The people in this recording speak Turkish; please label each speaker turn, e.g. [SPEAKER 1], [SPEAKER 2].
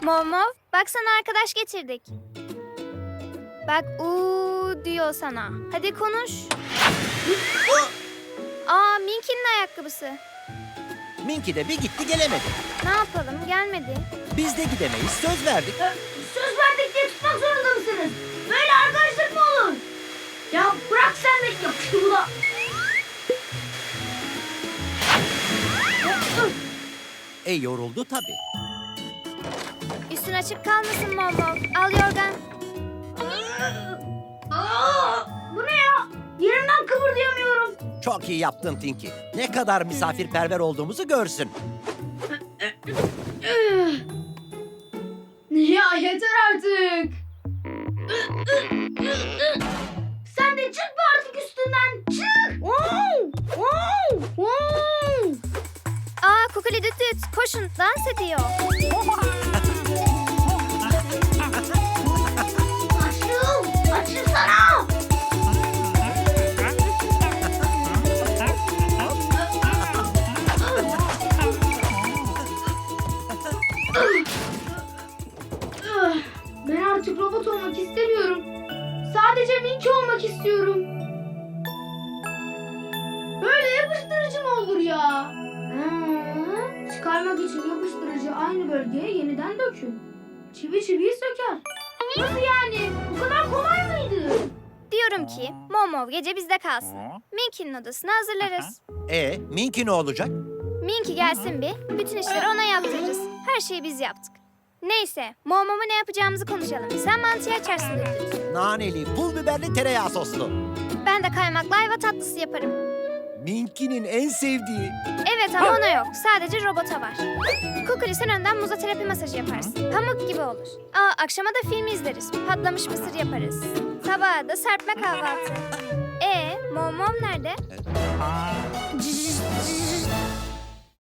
[SPEAKER 1] Momov, bak sana arkadaş getirdik. Bak uuu diyor sana. Hadi konuş. Aa, Minky'nin ayakkabısı.
[SPEAKER 2] Minky de bir gitti gelemedi.
[SPEAKER 1] Ne yapalım, gelmedi.
[SPEAKER 2] Biz de gidemeyiz, söz verdik.
[SPEAKER 3] Söz verdik diye tutmak zorunda mısınız? Böyle arkadaşlık mı olur? Ya bırak sen de yapıştı bu da.
[SPEAKER 2] Yoruldu tabii.
[SPEAKER 1] Üstün açık kalmasın Momov. Al yorgan.
[SPEAKER 3] Bu ne ya? Yerimden kıpırdayamıyorum.
[SPEAKER 2] Çok iyi yaptın Tinky. Ne kadar misafirperver olduğumuzu görsün.
[SPEAKER 3] Ya yeter artık. Sen de çık be artık üstünden. Çık.
[SPEAKER 1] Aa, Kukuli düt düt. Koşun, dans ediyor.
[SPEAKER 3] Açılsana. Ben artık robot olmak istemiyorum. Sadece Minky olmak istiyorum. Böyle yapıştırıcı mı olur ya? Çıkarmak için yapıştırıcı aynı bölgeye yeniden dökün. Çivi çiviyi söker. Nasıl yani? Bu kadar kolay mıydı?
[SPEAKER 1] Diyorum ki Momov gece bizde kalsın. Minky'nin odasını hazırlarız.
[SPEAKER 2] Minky ne olacak?
[SPEAKER 1] Minky gelsin bir, bütün işleri ona yaptırırız. Her şeyi biz yaptık. Neyse, Momov'a ne yapacağımızı konuşalım. Sen mantıyı açarsın düt düt.
[SPEAKER 2] Naneli, pul biberli, tereyağı soslu.
[SPEAKER 1] Ben de kaymaklı ayva tatlısı yaparım.
[SPEAKER 2] Minky'nin en sevdiği.
[SPEAKER 1] Evet ama ona yok. Sadece robota var. Kukuli sen önden muza terapi masajı yaparsın. Pamuk gibi olur. Akşama da film izleriz. Patlamış mısır yaparız. Sabaha da serpme kahvaltı. Momom nerede?